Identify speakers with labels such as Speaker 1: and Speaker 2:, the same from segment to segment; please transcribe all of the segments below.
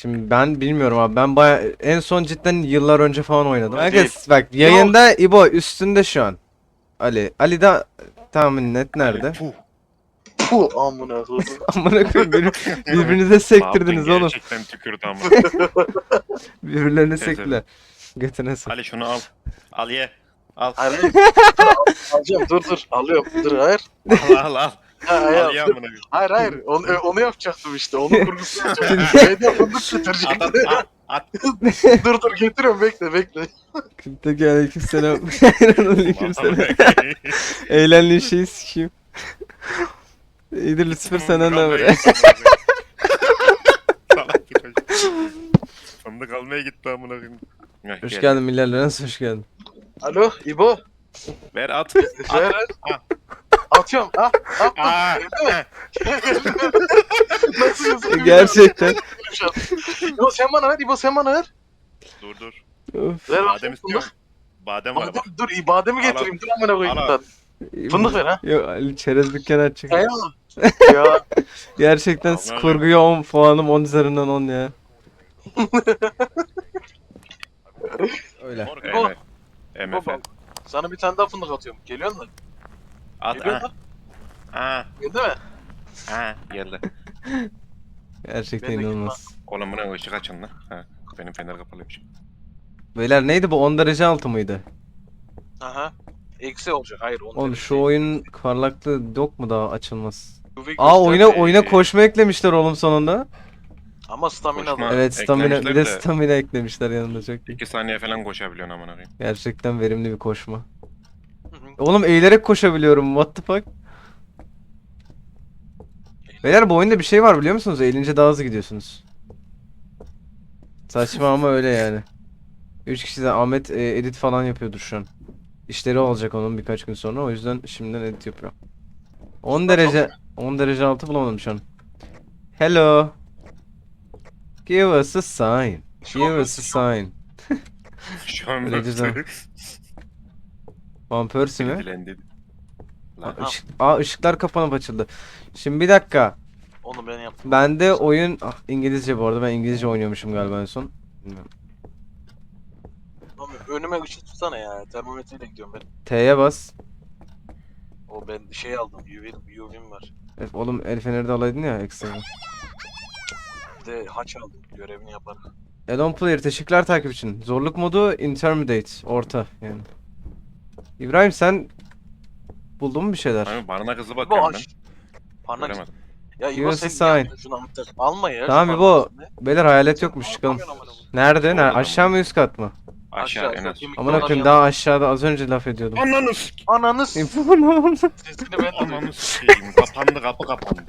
Speaker 1: Şimdi ben bilmiyorum abi. Ben en son cidden yıllar önce falan oynadım.
Speaker 2: Öyle
Speaker 1: Herkes
Speaker 2: değil.
Speaker 1: bak yayında İbo üstünde şu an. Ali. Ali de tahmin net nerede?
Speaker 2: Puh. Puh amına koydum.
Speaker 1: Amına koyayım birbirinize sektirdiniz
Speaker 3: Mahmut'un
Speaker 1: oğlum.
Speaker 3: gerçekten tükürdü ama.
Speaker 1: Birbirlerine
Speaker 3: Teyze.
Speaker 1: sektiler. Götüne sok.
Speaker 3: Ali şunu al. Al ye. Al.
Speaker 2: Hayır hayır. Alacağım dur alıyorum. Dur hayır.
Speaker 3: Al.
Speaker 2: Ha, hayır.
Speaker 3: Al ye amına koyayım.
Speaker 2: Hayır onu yapacaktım işte. Onun kurgusunu yapacaktım. Şeyde fındık
Speaker 3: At
Speaker 2: getirecektim.
Speaker 3: at.
Speaker 2: dur getiriyorum bekle.
Speaker 1: Peki aleykümselam. Aleykümselam.
Speaker 3: Amına koyayım.
Speaker 1: Eğlendiğin şeyi sikeyim. İyidir Lucifer senden ne
Speaker 3: Fındık
Speaker 1: haber?
Speaker 3: almaya gitti amına koyayım. Salak bir çocuk. Fındık almaya gitti amına koyayım. Heh,
Speaker 1: Hoş
Speaker 3: gel.
Speaker 1: geldin millerle nasıl hoş geldin?
Speaker 2: Alo İbo.
Speaker 3: Ver at.
Speaker 2: Ver.
Speaker 3: Ah.
Speaker 2: Atıyorum. Attım.
Speaker 3: Aa.
Speaker 2: Nasıl
Speaker 1: Gerçekten.
Speaker 2: İbo sen bana ver. İbo sen bana ver.
Speaker 3: Dur.
Speaker 1: Of.
Speaker 2: Ver
Speaker 3: Badem
Speaker 2: bakayım
Speaker 3: istiyorum.
Speaker 2: fındık.
Speaker 3: Badem var bak.
Speaker 2: Dur bademi getireyim. Dur amına koyayım.
Speaker 3: Al,
Speaker 2: bir tane. Fındık ver ha.
Speaker 1: Yok Ali çerez dükkanı açacak.
Speaker 2: Eyvallah. Ya
Speaker 1: Gerçekten
Speaker 3: Allah'ım.
Speaker 1: kurguya 10 puanım 10 üzerinden 10 ya. Öyle.
Speaker 3: Mor
Speaker 2: İbo.
Speaker 3: MF.
Speaker 2: baba. Sana bir tane daha fındık atıyorum. Geliyor musun?
Speaker 3: At
Speaker 2: Geliyor
Speaker 3: ha.
Speaker 2: mu?
Speaker 3: Ha.
Speaker 2: Geldi mi?
Speaker 3: Ha. Geldi.
Speaker 1: Gerçekten
Speaker 2: Ben de
Speaker 1: inanılmaz.
Speaker 3: Oğlum buna ışık açın lan. Ha. Benim fener kapalıymış.
Speaker 1: Beyler neydi bu 10 derece altı mıydı?
Speaker 2: Aha. Eksi olacak. Hayır.
Speaker 1: Oğlum şu oyun parlaklığı yok mu daha açılmaz?
Speaker 2: UV
Speaker 1: Aa
Speaker 2: göster-
Speaker 1: oyuna koşma eklemişler oğlum sonunda.
Speaker 2: Ama stamina
Speaker 3: Koşma.
Speaker 2: da.
Speaker 1: Evet stamina bir de
Speaker 3: eklemişler de-
Speaker 1: stamina eklemişler yanında çok iyi.
Speaker 3: 2 saniye falan koşabiliyorsun amına koyayım.
Speaker 1: Gerçekten verimli bir koşma.
Speaker 2: Hı hı.
Speaker 1: Oğlum eğilerek koşabiliyorum. What the fuck? Beyler bu oyunda bir şey var biliyor musunuz? Eğilince daha hızlı gidiyorsunuz. Saçma ama öyle yani. 3 kişi de Ahmet edit falan yapıyordur şu an. İşleri olacak onun birkaç gün sonra. O yüzden şimdiden edit yapıyor. 10 derece 10 derece altı bulamadım şu an. Hello. Give us a sign. Give us a sign.
Speaker 3: Şu an
Speaker 1: Öyle güzel. Van Persie mi?
Speaker 3: Dilendi. Lan.
Speaker 1: Işıklar kapanıp açıldı. Şimdi bir dakika.
Speaker 2: Onu ben yaptım.
Speaker 1: Bende oyun İngilizce bu arada ben İngilizce oynuyormuşum galiba en son. Bilmiyorum.
Speaker 2: Oğlum, önüme ışık tutsana ya. Termometreyle gidiyorum ben.
Speaker 1: T'ye bas.
Speaker 2: O ben şey aldım. UV'm var.
Speaker 1: Oğlum el feneri de alaydın ya ekstra.
Speaker 2: Bir de haç aldım. Görevini yaparım.
Speaker 1: Elon Player teşekkürler takip için. Zorluk modu intermediate. Orta yani. İbrahim sen buldun mu bir şeyler?
Speaker 3: Abi barına kızı
Speaker 2: İbo
Speaker 3: bakıyorum ben.
Speaker 2: aç. Parmak.
Speaker 3: Göremedim.
Speaker 2: Ya İbo
Speaker 1: Give us a
Speaker 2: sen niye
Speaker 1: sign.
Speaker 2: yaptın şunu anahtar? Alma ya.
Speaker 1: Tamam
Speaker 2: şu
Speaker 1: İbo.
Speaker 2: parmağını.
Speaker 1: Beyler hayalet yokmuş çıkalım. Nerede?
Speaker 3: Solda da
Speaker 1: Aşağı
Speaker 3: mı?
Speaker 1: mı üst kat mı?
Speaker 3: Aşağı en az.
Speaker 2: kemik
Speaker 1: Amına
Speaker 2: dolar
Speaker 1: koyayım
Speaker 2: yanında.
Speaker 1: daha aşağıda az önce laf ediyordum.
Speaker 3: Ananı sik.
Speaker 2: Ananız.
Speaker 1: İbo ne oldu?
Speaker 2: Sesini ben de duydum.
Speaker 3: Ananı sikeyim. Kapandı kapı kapandı.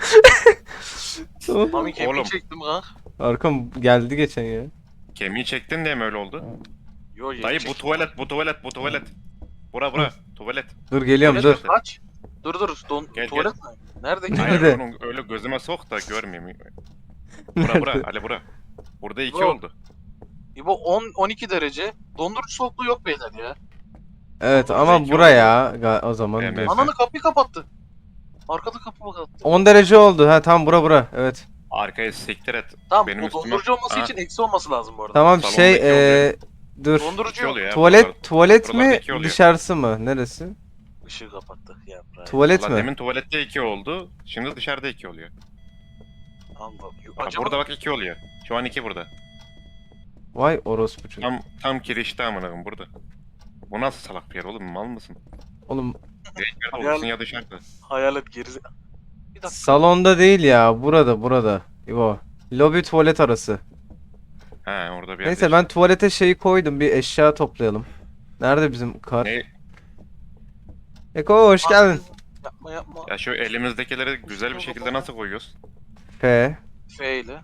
Speaker 2: Mami kemiği
Speaker 3: Oğlum.
Speaker 2: çektim ha.
Speaker 1: Arkam geldi geçen ya.
Speaker 3: Kemiği çektin diye mi öyle oldu?
Speaker 2: Yo yeni
Speaker 3: Dayı
Speaker 2: çektim.
Speaker 3: bu tuvalet. Bura tuvalet.
Speaker 1: Dur geliyorum
Speaker 2: Tuvalet
Speaker 1: dur.
Speaker 2: mi? Aç. Dur.
Speaker 3: Gel,
Speaker 2: Tuvalet mi? Nerede?
Speaker 1: Nerede?
Speaker 3: Hayır onu öyle gözüme sok da görmeyeyim. Bura Ali bura. Burada 2
Speaker 2: Bro.
Speaker 3: oldu.
Speaker 2: İbo 12 derece. Dondurucu soğukluğu yok beyler ya.
Speaker 1: Evet
Speaker 3: Burada
Speaker 1: ama
Speaker 3: iki
Speaker 1: buraya o zaman.
Speaker 3: Evet.
Speaker 1: diyorsun.
Speaker 2: Ananı kapıyı kapattı. Arkada kapı kapattı.
Speaker 1: 10 derece oldu. Ha tam bura. Evet.
Speaker 3: Arkaya siktir et.
Speaker 2: Tamam
Speaker 3: Benim
Speaker 2: bu
Speaker 3: üstüme-
Speaker 2: dondurucu olması
Speaker 3: Aha.
Speaker 2: için eksi olması lazım bu arada.
Speaker 1: Tamam
Speaker 3: Salonda
Speaker 1: şey
Speaker 3: iki oluyor.
Speaker 1: dur.
Speaker 2: Dondurucu
Speaker 3: İki
Speaker 2: yok.
Speaker 3: oluyor ya.
Speaker 1: Tuvalet
Speaker 3: buralarda
Speaker 1: mi
Speaker 3: iki oluyor.
Speaker 1: dışarısı mı? Neresi?
Speaker 2: Işığı kapattık ya.
Speaker 1: Tuvalet
Speaker 3: Valla
Speaker 1: mi?
Speaker 3: demin tuvalette 2 oldu. Şimdi dışarıda 2 oluyor.
Speaker 2: Allah.
Speaker 3: Bak,
Speaker 2: Acaba
Speaker 3: burada bak 2 oluyor. Şu an 2 burada.
Speaker 1: Vay orospu çocuk.
Speaker 3: Tam kirişte amına koyayım burada. Bu nasıl salak bir yer oğlum mal mısın?
Speaker 1: Oğlum
Speaker 3: Ya içeride
Speaker 2: Hayal-
Speaker 3: olursun ya dışarıda.
Speaker 2: hayalet gerize... Bir dakika.
Speaker 1: salonda değil ya. Burada. İbo. Lobi tuvalet arası.
Speaker 3: He orada bir
Speaker 1: Neyse
Speaker 3: yerde
Speaker 1: ben tuvalete şeyi koydum. Bir eşya toplayalım. Nerede bizim kar?
Speaker 3: Ne?
Speaker 1: Eko hoş geldin.
Speaker 2: Yapma.
Speaker 3: Ya şu elimizdekileri güzel bir şekilde nasıl koyuyoruz?
Speaker 1: F.
Speaker 2: F ile.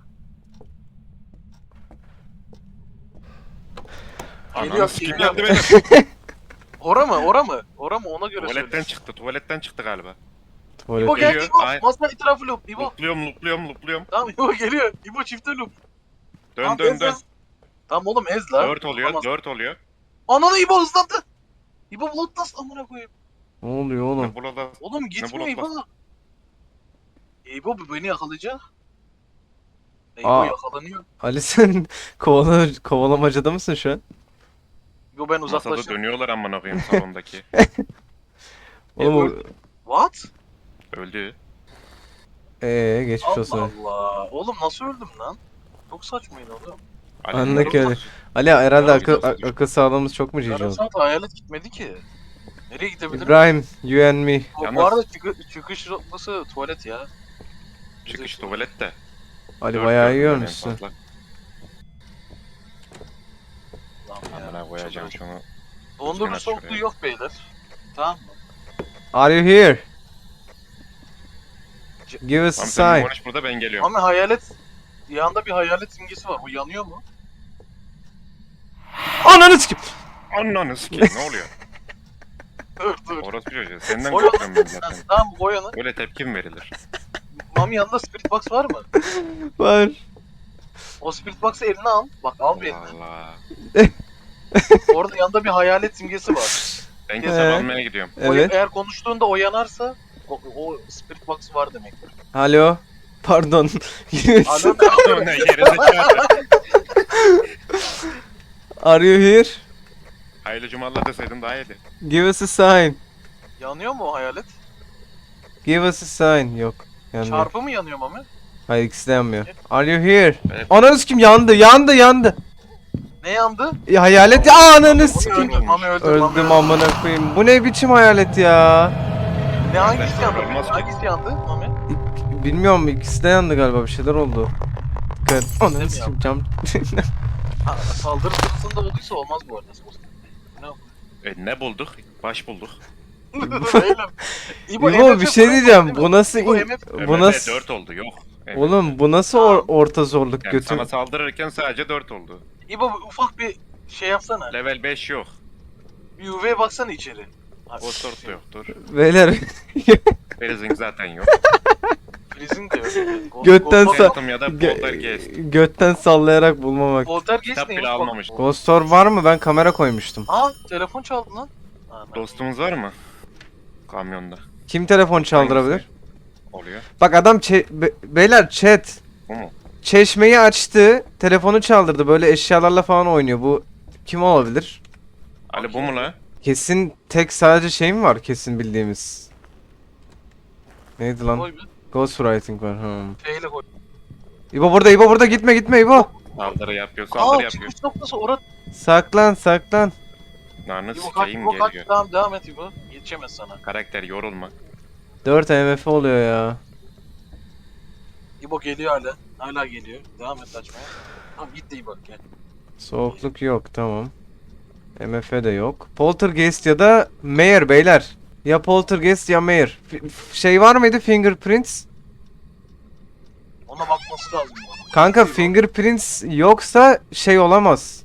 Speaker 3: Ananı sikeyim
Speaker 2: geliyor.
Speaker 3: geldi benim.
Speaker 2: Ora mı? Ona göre
Speaker 3: Tuvaletten
Speaker 2: söyle.
Speaker 3: tuvaletten çıktı galiba.
Speaker 2: İbo
Speaker 1: Tuvalet.
Speaker 2: geldi
Speaker 3: Geliyor,
Speaker 2: İbo.
Speaker 3: ay-
Speaker 2: Masa etrafı loop. İbo.
Speaker 3: Loopluyorum.
Speaker 2: Tamam İbo geliyor. İbo çifte loop. Tamam,
Speaker 3: Dön.
Speaker 2: ez. Tamam oğlum ez la.
Speaker 3: 4 oluyor,
Speaker 2: Tamam.
Speaker 3: 4 oluyor.
Speaker 2: Ananı İbo hızlandı. İbo bloodlust amına koyayım.
Speaker 1: Ne oluyor oğlum?
Speaker 3: Ne burada?
Speaker 2: Oğlum gitmiyor İbo.
Speaker 3: bloodlust?
Speaker 2: İbo bu beni yakalayacak. İbo
Speaker 1: Aa.
Speaker 2: yakalanıyor.
Speaker 1: Ali sen kovalamacada mısın şu an?
Speaker 2: İbo ben
Speaker 3: Masada
Speaker 2: uzaklaşıyorum.
Speaker 3: dönüyorlar amına koyayım salondaki.
Speaker 1: Oğlum o...
Speaker 2: What?
Speaker 3: Öldü.
Speaker 1: Geçmiş
Speaker 2: Allah
Speaker 1: olsun.
Speaker 2: Allah. Oğlum nasıl öldüm lan? Çok saçmaydı oğlum.
Speaker 1: Anlık
Speaker 3: bunlar-
Speaker 1: öyle. Ali herhalde
Speaker 3: Ya,
Speaker 1: akıl,
Speaker 3: videosu düştü.
Speaker 1: akıl sağlığımız çok mu cici
Speaker 2: Yarım
Speaker 1: oldu?
Speaker 2: saat hayalet gitmedi ki. Nereye gidebilirim?
Speaker 1: İbrahim, you and me.
Speaker 2: Bu
Speaker 3: Yalnız-
Speaker 2: arada çıkış noktası tuvalet ya.
Speaker 3: Çıkış tuvalette.
Speaker 1: Ali
Speaker 3: Dört
Speaker 1: bayağı
Speaker 3: gördüm
Speaker 1: iyi
Speaker 3: ben en
Speaker 1: ölmüşsün.
Speaker 3: fazla.
Speaker 2: Lan ya,
Speaker 3: Amına koyacağım
Speaker 2: çok-
Speaker 3: şunu.
Speaker 2: Dondurucu
Speaker 3: Düzgün
Speaker 2: soğukluğu
Speaker 3: şuraya.
Speaker 2: yok beyler. Tamam mı?
Speaker 1: Are you here? Give us a
Speaker 3: Tamam sen
Speaker 1: sign.
Speaker 3: konuş burada ben geliyorum.
Speaker 2: Ama hayalet... Yanında bir hayalet simgesi var. Bu yanıyor mu?
Speaker 1: Ananı sikeyim.
Speaker 3: Ananı sikeyim ne oluyor?
Speaker 2: Dur.
Speaker 3: Orası bir çocuğu. Senden
Speaker 2: Oyan.
Speaker 3: korkuyorum ben zaten.
Speaker 2: Tamam bu Goyan'ın.
Speaker 3: Böyle tepki mi verilir?
Speaker 2: Mami yanında spirit box var mı?
Speaker 1: Var.
Speaker 2: O spirit box'ı eline al. Bak al bir eline.
Speaker 3: Allah.
Speaker 2: Orada yanında bir hayalet simgesi var.
Speaker 3: Ben
Speaker 1: Ee?
Speaker 3: kitap almaya gidiyorum.
Speaker 1: Evet.
Speaker 2: Eğer konuştuğunda o yanarsa o spirit box var demektir.
Speaker 1: Alo. Pardon.
Speaker 2: Alo.
Speaker 3: Ne gerizekalı.
Speaker 1: Are you here?
Speaker 3: Hayırlı cumalar deseydin daha iyiydi.
Speaker 1: Give us a sign.
Speaker 2: Yanıyor mu o hayalet?
Speaker 1: Give us a sign. Yok. Yanmıyor.
Speaker 2: Çarpı mı yanıyor Mami?
Speaker 1: Hayır ikisi de yanmıyor. Are you here?
Speaker 3: Evet.
Speaker 1: Ananı sikeyim yandı.
Speaker 2: Ne yandı?
Speaker 1: Ya hayalet ya ananı
Speaker 2: Mami
Speaker 1: sikeyim.
Speaker 2: öldü. Mami öldü. Mami
Speaker 1: Öldüm
Speaker 2: öldü.
Speaker 1: amına koyayım. Bu ne biçim hayalet ya?
Speaker 2: Ne hangisi yandı?
Speaker 3: Olmaz ki.
Speaker 2: Hangisi yandı Mami?
Speaker 1: Bilmiyorum ikisi de yandı galiba bir şeyler oldu. Dikkat. Ananı
Speaker 2: mi
Speaker 1: sikeyim cam.
Speaker 2: Ha, saldırı sırasında olduysa olmaz bu arada. Ne
Speaker 3: Ne bulduk? Baş bulduk.
Speaker 2: Beyler.
Speaker 1: İbo
Speaker 2: MF
Speaker 1: bir şey
Speaker 2: bırak
Speaker 1: diyeceğim.
Speaker 2: değil mi?
Speaker 1: Bu nasıl
Speaker 2: İbo,
Speaker 1: in-
Speaker 2: MF
Speaker 1: bu
Speaker 3: MF
Speaker 1: nasıl
Speaker 3: 4 oldu yok. MF.
Speaker 1: Oğlum bu nasıl orta zorluk
Speaker 3: Yani
Speaker 1: götüm?
Speaker 3: sana saldırırken sadece 4 oldu.
Speaker 2: İbo ufak bir şey yapsana.
Speaker 3: Level 5 yok.
Speaker 2: Bir UV'ye baksana içeri. Ha,
Speaker 3: O sort da yoktur.
Speaker 1: Beyler
Speaker 3: Freezing zaten yok.
Speaker 2: Freezing de yok.
Speaker 1: Götten sa-
Speaker 3: Phantom ya da Poltergeist.
Speaker 1: götten sallayarak bulmamak.
Speaker 2: Poltergeist
Speaker 3: Kitap
Speaker 2: neymiş?
Speaker 3: bile
Speaker 2: Bak-
Speaker 3: almamış.
Speaker 1: Ghost Orb var mı? Ben kamera koymuştum.
Speaker 2: Aa telefon çaldı lan. Ana.
Speaker 3: Dostumuz var mı? Kamyonda.
Speaker 1: Kim telefon çaldırabilir?
Speaker 3: Hangisi? Oluyor.
Speaker 1: Bak adam beyler chat
Speaker 3: Bu mu?
Speaker 1: çeşmeyi açtı, telefonu çaldırdı. Böyle eşyalarla falan oynuyor. Bu kim olabilir?
Speaker 3: Ali bu mu la?
Speaker 1: Kesin tek sadece şey mi var kesin bildiğimiz? Neydi lan?
Speaker 2: Koy bir.
Speaker 1: Ghostwriting var.
Speaker 2: Şeyle koy.
Speaker 1: İbo burada gitme İbo.
Speaker 3: Saldırı yapıyor, saldırı
Speaker 2: Aa
Speaker 3: yapıyor.
Speaker 2: çıkış noktası orada.
Speaker 1: Saklan.
Speaker 3: Narnı
Speaker 2: İbo kaç,
Speaker 3: sikeyim
Speaker 2: İbo kaç.
Speaker 3: geliyor.
Speaker 2: Tamam devam et İbo. Yetişemez sana.
Speaker 3: Karakter yorulma.
Speaker 1: 4 MF oluyor ya.
Speaker 2: İbo geliyor hala. Hala geliyor. Devam et açmaya. Tamam gitti İbo gel.
Speaker 1: Soğukluk yok tamam. MF de yok. Poltergeist ya da Mayor beyler. Ya Poltergeist ya Mayor. Şey var mıydı Fingerprints?
Speaker 2: Ona bakması lazım. bu.
Speaker 1: Kanka Fingerprints yoksa şey olamaz.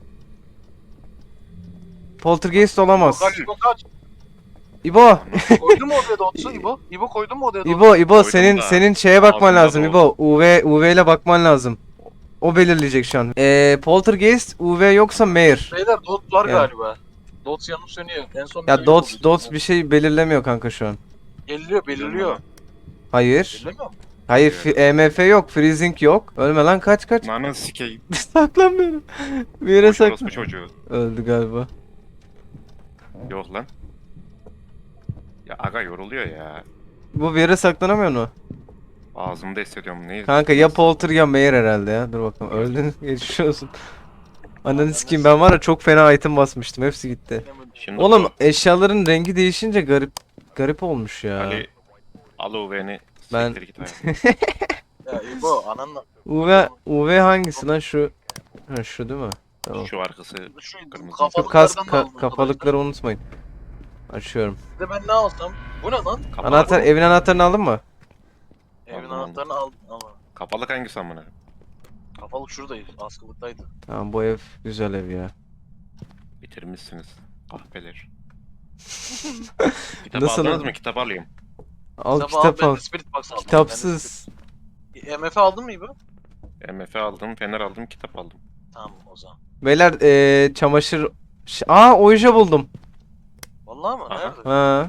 Speaker 1: Poltergeist olamaz.
Speaker 2: İbo kaç İbo kaç.
Speaker 1: İbo,
Speaker 2: Koydun mu odaya dotsu İbo? İbo koydun mu odaya dotsu?
Speaker 1: İbo
Speaker 3: Koydum
Speaker 1: senin
Speaker 3: da
Speaker 1: senin şeye bakman
Speaker 3: ağzımda
Speaker 1: lazım
Speaker 3: doldu.
Speaker 1: İbo. UV ile bakman lazım. O belirleyecek şu an. Poltergeist, UV yoksa Mayor.
Speaker 2: Beyler dot var
Speaker 1: Yani.
Speaker 2: galiba. Dot yanıp sönüyor. En son
Speaker 1: Ya
Speaker 2: bir
Speaker 1: dots
Speaker 2: oldu.
Speaker 1: dots bir şey belirlemiyor kanka şu an.
Speaker 2: Belirliyor.
Speaker 1: Hayır.
Speaker 2: Belirlemiyor mu?
Speaker 1: Hayır, EMF yok, freezing yok. Ölme lan kaç.
Speaker 3: Narnı sikeyim.
Speaker 1: Saklanmıyorum. Bir yere
Speaker 3: Boş
Speaker 1: saklan.
Speaker 3: orospu çocuğu.
Speaker 1: Öldü galiba.
Speaker 3: Yok lan. Ya aga yoruluyor ya.
Speaker 1: Bu bir yere saklanamıyor mu?
Speaker 3: Ağzımda hissediyorum neyi?
Speaker 1: Kanka ya Polter ya Mayor herhalde ya. Dur bakalım. Öldün. Geçmiş olsun. Ananı sikeyim ben var ya çok fena item basmıştım. Hepsi gitti.
Speaker 3: Şimdi
Speaker 1: Oğlum
Speaker 3: bu
Speaker 1: eşyaların rengi değişince garip olmuş ya.
Speaker 3: Ali al UV'ni.
Speaker 1: Ben-
Speaker 3: Siktir git hayatım.
Speaker 2: Ya İbo ananla.
Speaker 1: UV hangisi lan şu? Ha şu değil mi? Tamam.
Speaker 3: Şu arkası
Speaker 2: Şu
Speaker 3: kırmızı.
Speaker 1: Şu kas
Speaker 2: kafalıklardan da aldım
Speaker 1: kafalıkları unutmayın. Açıyorum.
Speaker 2: arkadaşlar. Bir de ben ne alsam? Bu ne lan?
Speaker 3: Kapalı.
Speaker 1: Anahtar evin anahtarını aldın mı?
Speaker 2: Evin
Speaker 3: Aldım.
Speaker 2: anahtarını aldım ama.
Speaker 3: Kapalık hangisi amına?
Speaker 2: Kafalık şuradaydı. Askılıktaydı.
Speaker 1: Tamam bu ev güzel ev ya.
Speaker 3: Bitirmişsiniz. Kahpeler. Kitap
Speaker 1: Nasıl
Speaker 3: aldınız
Speaker 1: lan?
Speaker 3: mı? Kitap alayım.
Speaker 1: Al
Speaker 2: Kitabı
Speaker 1: kitap
Speaker 2: ben
Speaker 1: al.
Speaker 2: de Spirit Box aldım.
Speaker 1: Kitapsız.
Speaker 2: Ben de MF aldın mı İbo?
Speaker 3: MF aldım, fener aldım, kitap aldım.
Speaker 2: Tamam o zaman.
Speaker 1: Beyler çamaşır... oje buldum.
Speaker 2: Vallahi mı?
Speaker 3: Aha.
Speaker 2: Nerede?
Speaker 1: Ha.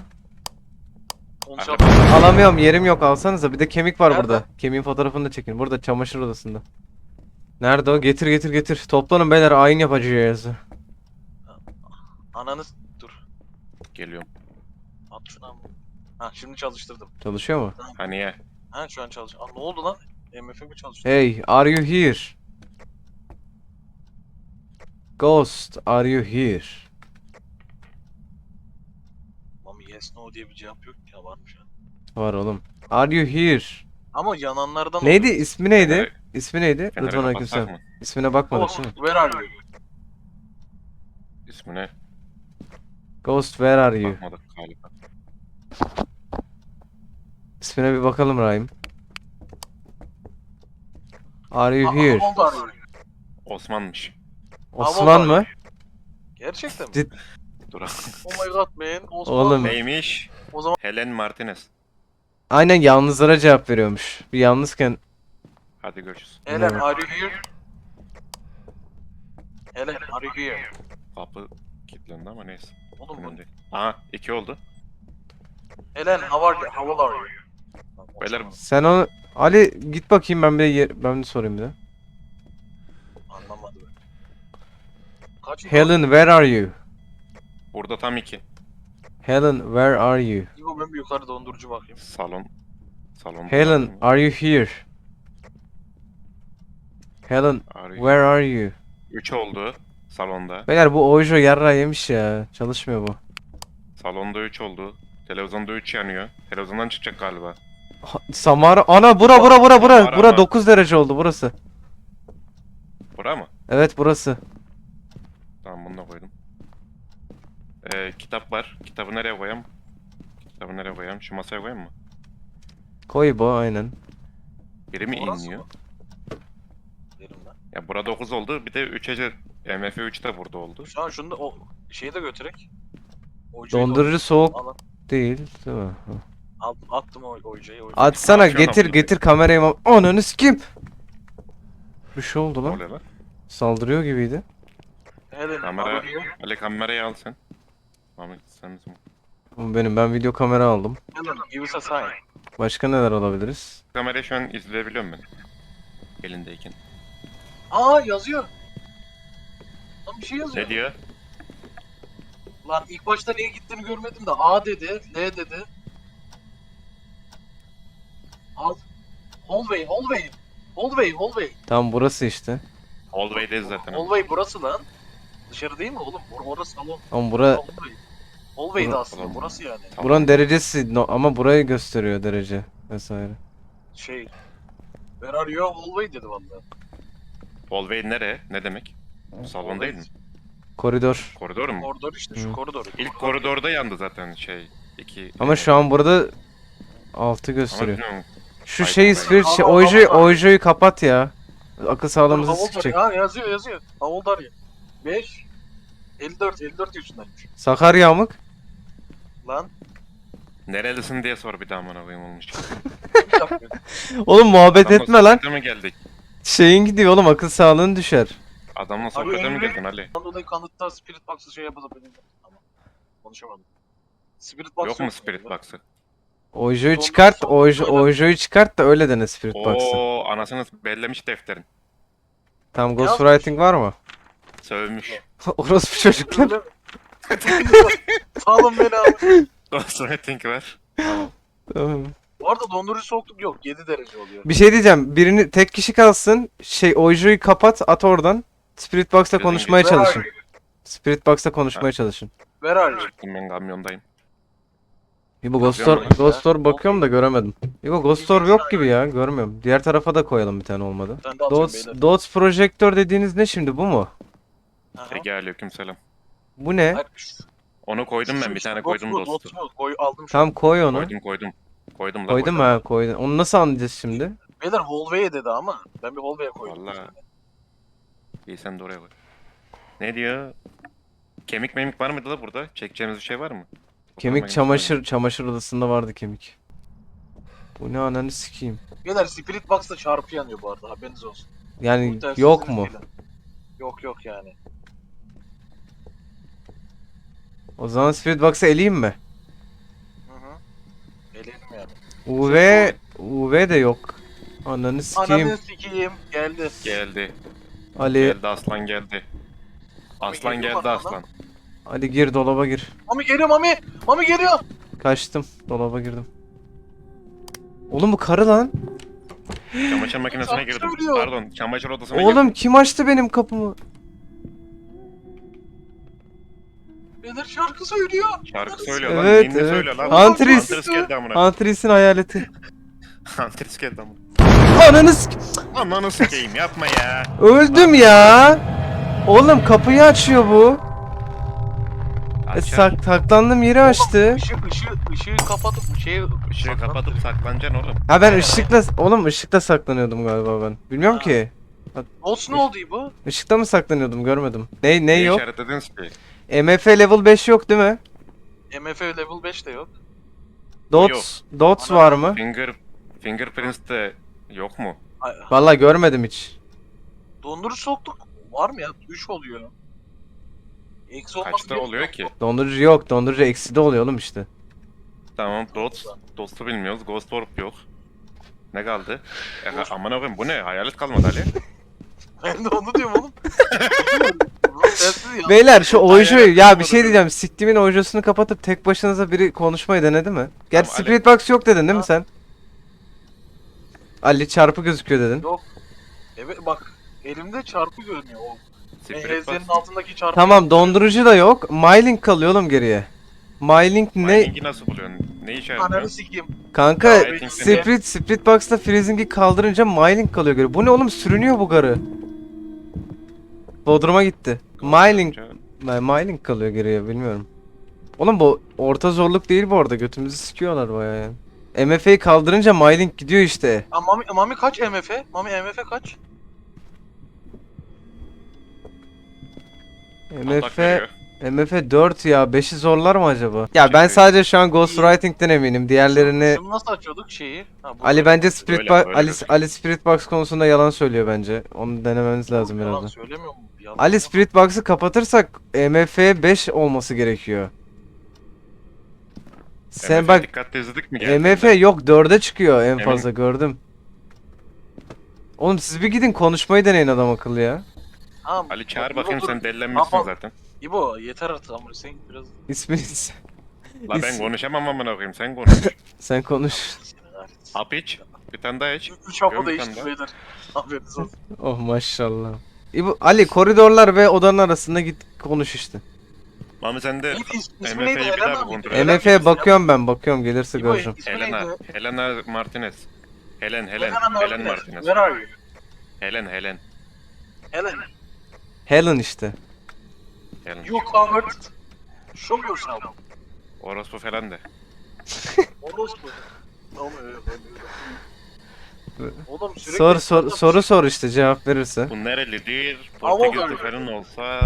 Speaker 2: Konuşalım.
Speaker 1: Alamıyorum yerim yok alsanıza. Bir de kemik var
Speaker 2: Nerede?
Speaker 1: burada. Kemiğin fotoğrafını da çekin. Burada çamaşır odasında. Nerede o? Getir getir getir. Toplanın beyler, ayin yapacağız.
Speaker 2: Ananı dur.
Speaker 3: Geliyorum.
Speaker 2: At şunu ama. Ha şimdi çalıştırdım.
Speaker 1: Çalışıyor mu?
Speaker 3: Hani ya?
Speaker 2: Ha şu an çalış. Aa ne oldu lan? MF'e mi çalıştı?
Speaker 1: Hey, are you here? Ghost, are you here?
Speaker 2: Ama yes no diye bir cevap yok ya, varmış ha.
Speaker 1: Var oğlum. Are you here?
Speaker 2: Ama yananlardan
Speaker 1: Neydi?
Speaker 2: oluyor.
Speaker 1: İsmi neydi?
Speaker 3: Feneri-
Speaker 1: İsmi neydi?
Speaker 3: Feneri
Speaker 1: Rıdvan
Speaker 3: kapatsak
Speaker 1: Akgünsel.
Speaker 3: mı?
Speaker 1: İsmine bakmadık
Speaker 2: Ghost,
Speaker 1: değil mi?
Speaker 2: where are you?
Speaker 3: İsmine
Speaker 1: Ghost, where are you?
Speaker 3: bakmadık galiba.
Speaker 1: İsmine bir bakalım Rahim. Are you here?
Speaker 2: How old are you?
Speaker 3: Osman'mış.
Speaker 1: Osman
Speaker 2: are
Speaker 1: mı?
Speaker 2: Gerçekten mi?
Speaker 1: Cid-
Speaker 3: Dur.
Speaker 2: Oh my god man. Osman.
Speaker 1: Oğlum.
Speaker 3: Neymiş?
Speaker 2: O zaman
Speaker 3: Helen Martinez.
Speaker 1: Aynen, yalnızlara cevap veriyormuş. Bir yalnızken
Speaker 3: Hadi görüşürüz.
Speaker 2: Helen
Speaker 1: Evet.
Speaker 2: are you here? Helen are you here?
Speaker 3: Kapı kilitlendi ama neyse.
Speaker 2: Oğlum bu.
Speaker 3: Önemli değil. Aha 2 oldu.
Speaker 2: Helen how are you? How old are you?
Speaker 3: Beyler
Speaker 1: sen onu Ali git bakayım, ben de sorayım bir de.
Speaker 2: Anlamadı ben. Kaç
Speaker 1: Helen, where are you?
Speaker 3: burada tam 2.
Speaker 1: Helen, where are you?
Speaker 2: İbo ben bir yukarı dondurucu bakayım.
Speaker 3: Salon.
Speaker 1: Helen, are you here? Helen, where are you?
Speaker 3: 3 oldu salonda.
Speaker 1: Beyler bu Ojo yarra yemiş ya. Çalışmıyor bu.
Speaker 3: Salonda 3 oldu. Televizyonda 3 yanıyor. Televizyondan çıkacak galiba.
Speaker 1: Samara, ana bura.
Speaker 3: Samara
Speaker 1: Bura
Speaker 3: mı?
Speaker 1: 9 derece oldu burası.
Speaker 3: Bura mı?
Speaker 1: Evet, burası.
Speaker 3: Tamam bunu da koydum. Kitap var. Kitabı nereye koyayım? Şu masaya koyayım mı?
Speaker 1: Koy bu, aynen.
Speaker 3: Biri mi
Speaker 2: Orası
Speaker 3: inliyor?
Speaker 2: mı? Derim ben.
Speaker 3: Ya burada 9 oldu. Bir de 3'e MF 3 de burada oldu.
Speaker 2: Şu an şunu da o şeyi de götürek. Oyuncuyu da
Speaker 1: Dondurucu soğuk
Speaker 2: al,
Speaker 1: değil, değil mi?
Speaker 2: attım o oyuncuyu.
Speaker 1: Atsana,
Speaker 3: Açıyor lan bunu.
Speaker 1: getir kamerayı. Ananı sikeyim. Bir şey oldu
Speaker 3: Ne
Speaker 1: lan.
Speaker 3: oluyor lan?
Speaker 1: Saldırıyor gibiydi.
Speaker 2: Helen
Speaker 3: Kamera.
Speaker 2: are you here?
Speaker 3: Ali kamerayı al sen. Ahmet sen misin?
Speaker 1: Bu benim. Ben video kamera aldım.
Speaker 2: Helen give us a sign.
Speaker 1: Başka neler alabiliriz?
Speaker 3: Kamerayı şu an izleyebiliyorum ben. Elindeyken.
Speaker 2: Aa yazıyor. Lan bir şey yazıyor.
Speaker 3: Ne diyor?
Speaker 2: Lan ilk başta neye gittiğini görmedim de A dedi, L dedi. Al. Hallway.
Speaker 1: Tam burası işte.
Speaker 3: Hallway'deyiz zaten.
Speaker 2: Hallway burası lan. Dışarı değil mi oğlum? Orası salon.
Speaker 1: Ama bura
Speaker 2: Hallway. Hallway'di
Speaker 1: Bura-
Speaker 2: aslında burası yani.
Speaker 3: Tamam.
Speaker 1: buranın derecesi ama burayı gösteriyor derece vesaire.
Speaker 2: Şey. Where are you? Hallway dedi vallahi.
Speaker 3: Hallway nere? Ne demek? Salon değil mi?
Speaker 1: Koridor.
Speaker 3: Koridor mu?
Speaker 2: Koridor işte şu
Speaker 1: Hı.
Speaker 2: koridor.
Speaker 3: İlk koridorda yandı zaten şey. 2.
Speaker 1: Ama şu an burada 6
Speaker 3: Ama
Speaker 1: gösteriyor.
Speaker 3: bilmiyorum.
Speaker 1: Şu
Speaker 3: Ay,
Speaker 1: şeyi
Speaker 3: ay.
Speaker 1: Spirit
Speaker 2: Aa,
Speaker 1: Ojo'yu kapat ya. Akıl sağlığımızı
Speaker 2: How old are
Speaker 1: sikecek.
Speaker 2: you? Ha yazıyor. How old are you? 5. 54 yaşındaymış.
Speaker 1: Sakarya amık.
Speaker 2: Lan.
Speaker 3: Nerelisin diye sor bir daha amına koyayım olmuş.
Speaker 2: Bir dakika.
Speaker 1: Oğlum muhabbet
Speaker 3: Adamla
Speaker 1: etme lan.
Speaker 3: sohbete mi geldik?
Speaker 1: Şeyin gidiyor oğlum, akıl sağlığın düşer.
Speaker 3: Adamla sohbete mi geldin Ali?
Speaker 2: Ondan dolayı kanıtta Spirit Box'ı şey yapabilirim. Tamam. Konuşamadım. Spirit Box
Speaker 3: Yok mu Spirit Box'ı?
Speaker 1: Ojo'yu
Speaker 2: Ondan
Speaker 1: çıkart,
Speaker 2: sonra
Speaker 1: Ojo'yu çıkart da öyle dene Spirit Box'ı.
Speaker 3: Oo anasını bellemiş defterin.
Speaker 1: Tam Ghostwriting var mı?
Speaker 3: Sövmüş.
Speaker 1: Orospu çocuklar.
Speaker 2: Salın beni abi.
Speaker 3: Ghostwriting var.
Speaker 1: Tamam.
Speaker 2: Bu arada dondurucu soğukluk yok. 7 derece oluyor.
Speaker 1: Bir şey diyeceğim. Birini tek kişi kalsın. Ojo'yu kapat, at oradan. Spirit Box'ta
Speaker 3: Gözün
Speaker 1: konuşmaya
Speaker 2: Where are
Speaker 1: çalışın.
Speaker 2: you?
Speaker 1: Spirit Box'ta konuşmaya çalışın.
Speaker 2: Where are you?
Speaker 3: Çıktım ben kamyondayım.
Speaker 1: İbo
Speaker 3: Bakıyorum
Speaker 1: Ghost Store bakıyorum da göremedim. İbo Ghost Store yok gibi ya, görmüyorum. Diğer tarafa da koyalım, bir tane olmadı.
Speaker 2: Ben de atıyorum beyler.
Speaker 1: Dots projektör dediğiniz ne şimdi, bu mu?
Speaker 2: Aha.
Speaker 3: Ege aleykümselam.
Speaker 1: Bu ne?
Speaker 2: Hayır,
Speaker 3: Onu koydum ben bir tane koydum dostu.
Speaker 2: Aldım şu.
Speaker 1: Tam koy onu.
Speaker 3: Koydum. Koydum la
Speaker 1: Koydum ha, koydum. Onu nasıl anlayacağız şimdi?
Speaker 2: Beyler hallway'e dedi ama. Ben bir hallway'e koydum.
Speaker 3: Vallahi. İyi sen de oraya koy. Ne diyor? Kemik memik var mıydı la burada? Çekeceğimiz bir şey var mı?
Speaker 1: Kemik çamaşır odasında vardı kemik. Bu ne, ananı sikeyim.
Speaker 2: Beyler Spirit Box'ta çarpı yanıyor bu arada, haberiniz olsun.
Speaker 1: Yani
Speaker 2: Bu telsizin
Speaker 1: yok mu?
Speaker 2: izniyle. Yok yani.
Speaker 1: O zaman Spirit Box'ı eleyeyim mi?
Speaker 2: Hı hı. Eleyelim yani.
Speaker 1: UV de yok. Ananı sikeyim.
Speaker 2: Ananı sikeyim. Geldi.
Speaker 3: Geldi.
Speaker 1: Ali.
Speaker 3: Geldi aslan geldi. Aslan
Speaker 2: geliyor
Speaker 3: geldi
Speaker 2: bana
Speaker 3: aslan.
Speaker 1: Ali gir dolaba gir.
Speaker 2: Mami geliyor Mami. Mami geliyor.
Speaker 1: Kaçtım. Dolaba girdim. Oğlum bu karı lan.
Speaker 3: Çamaşır makinesine
Speaker 2: Şarkı
Speaker 3: girdim.
Speaker 2: söylüyor.
Speaker 3: Pardon, çamaşır odasına girdim.
Speaker 1: Oğlum kim açtı benim kapımı?
Speaker 2: Beyler şarkı söylüyor.
Speaker 3: Şarkı söylüyor lan.
Speaker 1: Evet,
Speaker 3: Ninni
Speaker 1: evet.
Speaker 3: söylüyor lan.
Speaker 1: Huntress.
Speaker 3: Huntress geldi amına.
Speaker 1: Huntress'in hayaleti.
Speaker 3: Huntress geldi amına.
Speaker 1: Ananı
Speaker 3: Ananı sikeyim yapma ya.
Speaker 1: öldüm ya. Oğlum kapıyı açıyor bu.
Speaker 3: Açar.
Speaker 1: Saklandığım yeri açtı.
Speaker 2: Işığı kapatıp
Speaker 3: Işığı kapatıp saklanacaksın oğlum.
Speaker 1: Ha ben ışıkla saklanıyordum galiba ben. Bilmiyorum
Speaker 2: Ha.
Speaker 1: ki.
Speaker 2: Olsun oldu bu.
Speaker 1: Işıkta mı saklanıyordum görmedim. Ne
Speaker 3: Niye
Speaker 1: yok?
Speaker 3: işaretlediniz ki?
Speaker 1: MF level 5 yok değil mi?
Speaker 2: MF level 5 de yok.
Speaker 1: Dots var mı?
Speaker 3: Fingerprints de yok mu?
Speaker 1: Vallahi görmedim hiç.
Speaker 2: Dondurucu soktuk. Var mı ya? 3 oluyor. Eksi olması
Speaker 3: Kaçta
Speaker 2: gerekiyor.
Speaker 3: oluyor ki?
Speaker 1: Dondurucu yok. Dondurucu eksi de oluyor oğlum işte.
Speaker 3: Tamam, Dots'u bilmiyoruz. Ghost Orb yok. Ne kaldı? Aman koyayım bu ne? Hayalet kalmadı Ali.
Speaker 2: Ben de onu diyorum oğlum. Sensiz ya.
Speaker 1: Beyler şu ojoyu
Speaker 3: Hayır,
Speaker 1: ya bir
Speaker 3: yapmadım
Speaker 1: şey
Speaker 3: ben.
Speaker 1: diyeceğim. Siktimin ojosunu kapatıp tek başınıza biri konuşmayı denedi mi? Gerçi
Speaker 3: Tamam,
Speaker 1: Spirit Box yok dedin değil mi
Speaker 2: Ha.
Speaker 1: sen? Ali çarpı gözüküyor dedin.
Speaker 2: Yok. Evet bak. Elimde çarpı görünüyor. O
Speaker 3: Spirit
Speaker 2: enzenin
Speaker 3: Box.
Speaker 2: altındaki çarpı.
Speaker 1: Tamam dondurucu da yok. Mylink kalıyor oğlum geriye. Mylink ne?
Speaker 3: Mining'i nasıl buluyorsun? Ne
Speaker 2: Ananı
Speaker 3: işaretliyor?
Speaker 2: sikeyim.
Speaker 1: Kanka
Speaker 3: Ya,
Speaker 1: Spirit Box'ta freezing'i kaldırınca Mylink kalıyor geriye. Bu ne oğlum sürünüyor bu garı. Bodrum'a gitti. Mylink kalıyor geriye bilmiyorum. Oğlum bu orta zorluk değil bu arada. Götümüzü sikiyorlar bayağı yani. MF'yi kaldırınca Mylink gidiyor işte.
Speaker 2: Ha, Mami kaç MF? Mami MF kaç?
Speaker 3: Atak
Speaker 1: MF
Speaker 3: veriyor.
Speaker 1: MF 4 ya. 5'i zorlar mı acaba? Ya ben
Speaker 3: Şimdi-
Speaker 1: sadece şu an Ghostwriting'den eminim. Diğerlerini
Speaker 2: Şunu nasıl açıyorduk şeyi? Ha, bu
Speaker 1: Ali bence Spirit
Speaker 3: Böyle,
Speaker 1: Box
Speaker 3: böyle
Speaker 1: Ali,
Speaker 3: gözüküyor.
Speaker 1: Ali Spirit Box konusunda yalan söylüyor bence. Onu denemeniz lazım
Speaker 2: Yalan
Speaker 1: birazdan.
Speaker 2: söylemiyor mu? Yalan.
Speaker 1: Ali Spirit Box'ı kapatırsak MF 5 olması gerekiyor. Sen
Speaker 3: MF
Speaker 1: bak
Speaker 3: dikkatli izledik mi geldiğinde?
Speaker 1: MF yok 4'e çıkıyor en
Speaker 3: Emin-
Speaker 1: fazla gördüm. Oğlum siz bir gidin konuşmayı deneyin adam akıllı ya.
Speaker 2: Ha,
Speaker 3: Ali çağır
Speaker 2: dur,
Speaker 3: bakayım
Speaker 2: dur.
Speaker 3: sen delilenmişsin
Speaker 2: Ama-
Speaker 3: zaten.
Speaker 2: İbo yeter artık ama sen biraz
Speaker 1: İsminiz.
Speaker 3: La ben
Speaker 1: İs-
Speaker 3: konuşamam amına koyayım sen konuş.
Speaker 1: Sen konuş.
Speaker 2: seni kahretsin.
Speaker 3: Hap iç. Bir tane daha iç.
Speaker 2: 3 hafta
Speaker 3: Görün
Speaker 2: değişti
Speaker 3: sen de.
Speaker 2: beyler. Haberiniz olsun.
Speaker 1: Oh maşallah. İbu, Ali koridorlar ve odanın arasında git konuş işte.
Speaker 3: Mami sen de
Speaker 2: Neydi ismi
Speaker 3: MF'yi
Speaker 2: neydi?
Speaker 3: bir
Speaker 2: Helena
Speaker 3: daha
Speaker 2: mıydı?
Speaker 3: kontrol
Speaker 2: Helena
Speaker 1: MF'ye
Speaker 2: mıydı?
Speaker 1: bakıyorum ben bakıyorum gelirse
Speaker 2: İbo,
Speaker 1: göreceğim.
Speaker 2: ismi
Speaker 3: Helena.
Speaker 2: neydi?
Speaker 3: Helena Martinez. Helen
Speaker 2: Helena
Speaker 3: Martinez.
Speaker 2: Where are you?
Speaker 3: Helen.
Speaker 2: Helen.
Speaker 1: Helen işte.
Speaker 3: Helen.
Speaker 2: You convert. Show yourself.
Speaker 3: Orospu falan de.
Speaker 2: Orospu. Tamam öyle. Oğlum sürekli...
Speaker 1: Soru sor işte cevap verirse.
Speaker 3: Bu nerelidir?
Speaker 2: Ama
Speaker 3: Portekizli
Speaker 2: böyle.
Speaker 3: falan olsa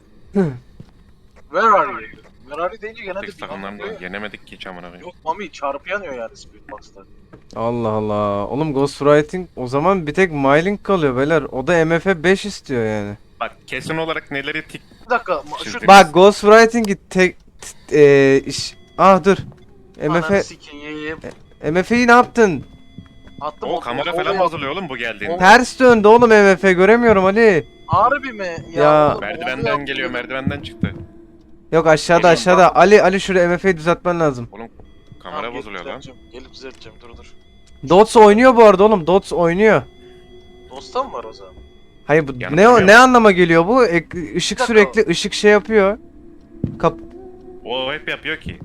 Speaker 2: Where are you? Where are you deyince genelde
Speaker 3: tek
Speaker 2: bir
Speaker 3: takımlarında
Speaker 2: anlamda
Speaker 3: yenemedik ki hiç amına koyayım.
Speaker 2: yok Mami çarpı yanıyor yani Spirit Box'ta.
Speaker 1: Allah Allah. Oğlum Ghostwriting o zaman bir tek Mylink kalıyor beyler. O da MF 5 istiyor yani.
Speaker 3: Bak kesin olarak neleri tik
Speaker 2: Bir dakika şu
Speaker 3: Şimdi-
Speaker 1: Bak Ghostwriting'i tek iş. Ah dur.
Speaker 2: Ananı sikeyim.
Speaker 1: MF'yi ne yaptın?
Speaker 2: Attım
Speaker 3: o kamera falan bozuluyor oğlum bu geldiğinde.
Speaker 1: Ters döndü oğlum MF göremiyorum Ali.
Speaker 2: Harbi mi?
Speaker 1: Ya.
Speaker 3: Merdivenden geliyor, merdivenden çıktı.
Speaker 1: Yok aşağıda
Speaker 3: Geliyorum,
Speaker 1: aşağıda. Ali şuraya MF'yi düzeltmen lazım.
Speaker 3: Oğlum kamera bozuluyor lan.
Speaker 2: Gelip düzelteceğim dur.
Speaker 1: Dots oynuyor bu arada oğlum. Dots oynuyor.
Speaker 2: Dosta mı var o zaman?
Speaker 1: Hayır bu
Speaker 3: Yanıtlamıyor.
Speaker 1: ne anlama geliyor bu? Işık
Speaker 2: Bir dakika.
Speaker 1: sürekli ışık şey yapıyor.
Speaker 3: O hep yapıyor ki.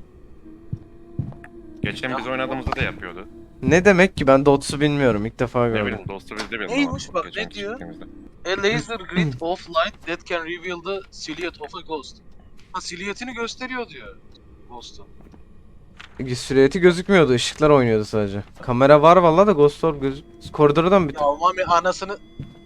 Speaker 3: Geçen
Speaker 2: Ya,
Speaker 3: biz oynadığımızda da yapıyordu.
Speaker 1: Ne demek ki ben Dots'u bilmiyorum. İlk defa
Speaker 3: Ne
Speaker 1: gördüm.
Speaker 3: bileyim dostu bizde bir
Speaker 2: Neymiş bak, ne diyor? A laser grid of light that can reveal the silhouette of a ghost. Ha silüetini gösteriyor diyor. Ghost'un.
Speaker 1: Silüeti gözükmüyordu. Işıklar oynuyordu sadece. Kamera var vallahi da Ghost Orb koridordan bir...
Speaker 2: Ya Mami anasını...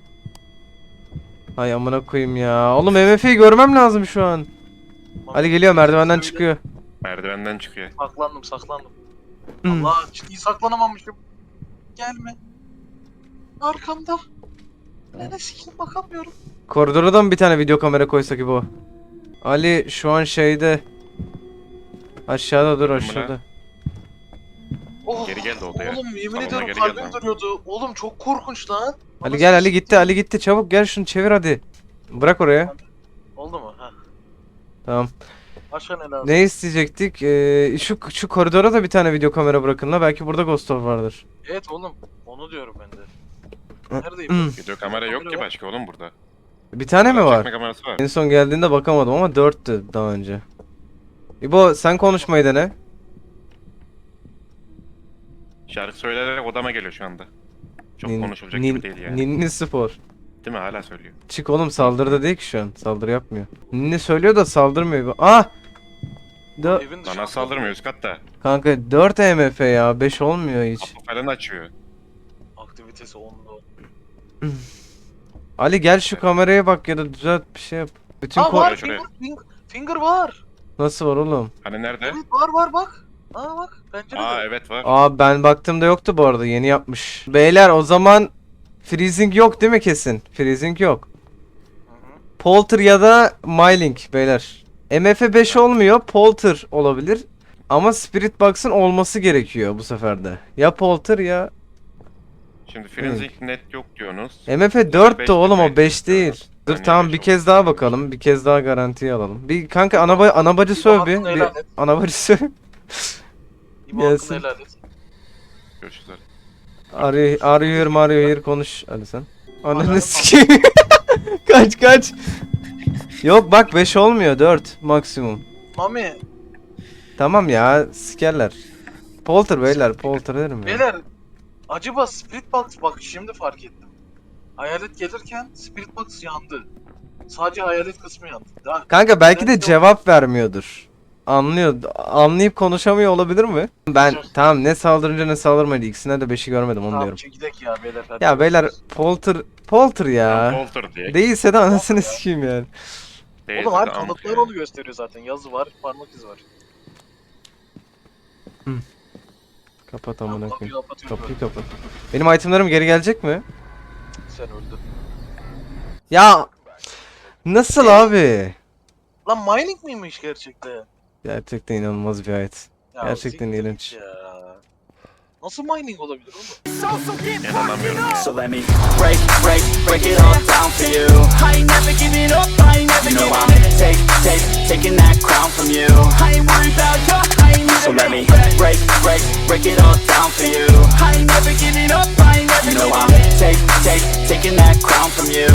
Speaker 1: Ay amına koyayım ya. Oğlum MF'yi görmem lazım şu an.
Speaker 2: Mami,
Speaker 1: Ali geliyor merdivenden
Speaker 2: söyle.
Speaker 1: çıkıyor.
Speaker 3: Merdivenden çıkıyor.
Speaker 2: Saklandım.
Speaker 1: Hmm.
Speaker 2: Allah ciddi saklanamamışım. Gelme. Arkamda. Ne sikeyim bakamıyorum.
Speaker 1: Koridora da mı bir tane video kamera koysak bu? Ali şu an şeyde. Aşağıda dur
Speaker 3: Dur,
Speaker 1: aşağıda.
Speaker 2: Oh,
Speaker 3: Geri geldi o da ya.
Speaker 2: oğlum yemin
Speaker 3: Salonda
Speaker 2: ediyorum
Speaker 3: geri
Speaker 2: kalbim
Speaker 3: geldi.
Speaker 2: duruyordu. Oğlum çok korkunç lan.
Speaker 1: Ali
Speaker 2: Nasıl
Speaker 1: gel,
Speaker 2: bir
Speaker 1: Ali
Speaker 2: şey?
Speaker 1: gitti, Ali gitti. Çabuk gel, şunu çevir hadi. Bırak oraya.
Speaker 2: Oldu mu? Ha.
Speaker 1: Tamam.
Speaker 2: Başka ne lazım?
Speaker 1: Ne isteyecektik? Şu koridora da bir tane video kamera bırakın la. Belki burada Ghost Orb vardır.
Speaker 2: Evet oğlum. Onu diyorum ben de. Neredeyim?
Speaker 3: Video kamera yok ki başka oğlum burada.
Speaker 1: Bir tane mi var?
Speaker 3: Çekme kamerası var.
Speaker 1: En son geldiğinde bakamadım ama 4'tü daha önce. İbo sen konuşmayı dene.
Speaker 3: Şarkı söyleyerek odama geliyor şu anda. Çok
Speaker 1: Nin-
Speaker 3: konuşulacak
Speaker 1: nin-
Speaker 3: gibi değil yani.
Speaker 1: Ninni Spor.
Speaker 3: Değil mi? Hala söylüyor.
Speaker 1: Çık oğlum, saldırıda değil ki şu an. Saldırı yapmıyor. Ninni söylüyor da saldırmıyor. Ah!
Speaker 2: Evin
Speaker 3: Bana
Speaker 2: dışında.
Speaker 3: saldırmıyor üst katta.
Speaker 1: Kanka 4 EMF ya. 5 olmuyor hiç.
Speaker 3: Kapı falan açıyor.
Speaker 2: Aktivitesi 10'da.
Speaker 1: Ali gel şu kameraya bak ya da düzelt bir şey yap. Bütün
Speaker 2: Aa var
Speaker 3: şuraya.
Speaker 2: finger var.
Speaker 1: Nasıl var oğlum?
Speaker 3: Hani nerede?
Speaker 2: Evet var bak. Aa bak pencerede.
Speaker 3: Aa evet var.
Speaker 1: Aa ben baktığımda yoktu bu arada, yeni yapmış. Beyler o zaman freezing yok değil mi kesin? Freezing yok.
Speaker 2: Hı-hı.
Speaker 1: Polter ya da Mylink beyler. MF 5 olmuyor, Polter olabilir. Ama Spirit Box'ın olması gerekiyor bu seferde. Ya Polter ya...
Speaker 3: Şimdi Forensic net yok diyorsunuz.
Speaker 1: MF
Speaker 3: Beş
Speaker 1: 4 de oğlum, o
Speaker 3: değil,
Speaker 1: 5 değil.
Speaker 3: diyoruz.
Speaker 1: Dur
Speaker 3: Yani
Speaker 1: tamam,
Speaker 3: beş
Speaker 1: bir
Speaker 3: oldu.
Speaker 1: kez daha bakalım. Bir kez daha garantiye alalım. Bir kanka anabacı söv bir.
Speaker 2: hakkını helal
Speaker 1: Bir
Speaker 2: et.
Speaker 1: anabacı söv.
Speaker 2: İbo
Speaker 1: Gelsin.
Speaker 2: hakkını helal et.
Speaker 3: Görüşürüz.
Speaker 1: Arıyor here konuş hadi sen. Ananı sikeyim. Kaç. Yok bak 5 olmuyor, 4 maksimum.
Speaker 2: Mami.
Speaker 1: Tamam ya, sikerler. Polter beyler, Polter derim ya.
Speaker 2: Beyler. Acaba Spirit Box bak şimdi fark ettim. Hayalet gelirken Spirit Box yandı. Sadece hayalet kısmı yandı. Daha
Speaker 1: Kanka belki de
Speaker 2: Yok.
Speaker 1: cevap vermiyordur. Anlayıp konuşamıyor olabilir mi? Ben
Speaker 2: Yok.
Speaker 1: tamam, ne saldırınca ne saldırmaydı, ikisine de 5'i görmedim onu
Speaker 2: tamam
Speaker 1: diyorum.
Speaker 2: çekidek ya beyler. Hadi.
Speaker 1: Ya beyler Polter ya.
Speaker 3: Polter diye.
Speaker 1: Değilse de anasını
Speaker 2: ya.
Speaker 1: sikeyim yani.
Speaker 3: Değilse
Speaker 2: Oğlum
Speaker 3: de
Speaker 2: abi
Speaker 3: amk
Speaker 2: kanıtlar
Speaker 3: yani.
Speaker 2: onu gösteriyor zaten. Yazı var, parmak izi var.
Speaker 1: Kapat amına
Speaker 2: Kapıyı
Speaker 1: koyayım.
Speaker 2: kapatıyorum.
Speaker 1: Kapıyı kapat. Benim itemlerim geri gelecek mi?
Speaker 2: Sen öldün.
Speaker 1: Ya nasıl abi?
Speaker 2: Lan mining miymiş gerçekten?
Speaker 1: Gerçekten inanılmaz bir ayet.
Speaker 2: Ya
Speaker 1: Gerçekten
Speaker 2: siktir
Speaker 1: iğrenç.
Speaker 2: ya. Nasıl mining olabilir oğlum?
Speaker 3: İnanamıyorum ya.
Speaker 4: So let me break it all down for you. I ain't never giving up, I ain't never giving up. Taking that crown from you. I ain't worried about you, I ain't so let me break it all down for you. I ain't never giving up, I ain't never giving up. Taking that crown from you.